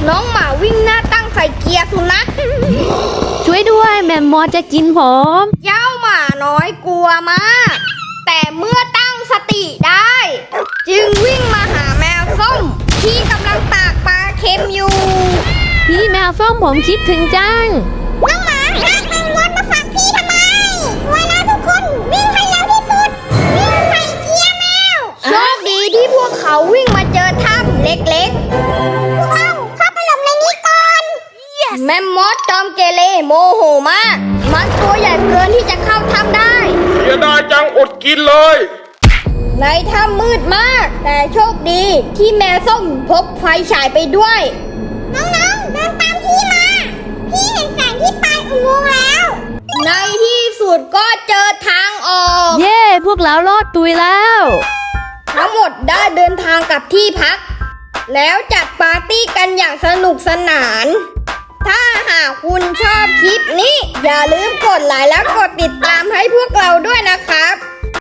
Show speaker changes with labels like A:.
A: น้องหมาวิ่งหน้าตั้งใส่เกียร์สุนัข
B: ช่วยด้วยแมมมอสจะกินผม
A: เจ้าหมาน้อยกลัวมาก แต่เมื่อตั้งสติได้ จึงวิ่งมาหาแมวส้มที่กำลังตากปลาเค็มอยู่
B: พี่แมวส้มผมคิดถึงจัง
A: น้องหมาลากแมงรถมาฝากพี่ทำไมไว้แล้วทุกคนวิ่งให้เร็วที่สุดวิ่งใส่เกียร์แมวโชคดีที่พวกเขาวิ่งมาเจอถ้ำเล็กๆพวกเราเข้าไปหลบในนี้ก่อน แมมมอสจอมเกเรโมโหมากมันตัวใหญ่เกินที่จะเข้าถ้ำได้
C: เสียดายจังอดกินเลย
A: ในถ้ำมืดมาก แต่โชคดีที่แมวส้มพกไฟฉายไปด้วย น้องๆเดินตามพี่มา พี่เห็นแสงที่ปลายอุโมงค์แล้ว ในที่สุดก็เจอทางออก
B: เย้พวกเรารอดตุยแล้ว
A: ทั้งหมดได้เดินทางกลับที่พัก แล้วจัดปาร์ตี้กันอย่างสนุกสนาน ถ้าหากคุณชอบคลิปนี้ อย่าลืมกดไลค์และกดติดตามให้พวกเราด้วยนะครับ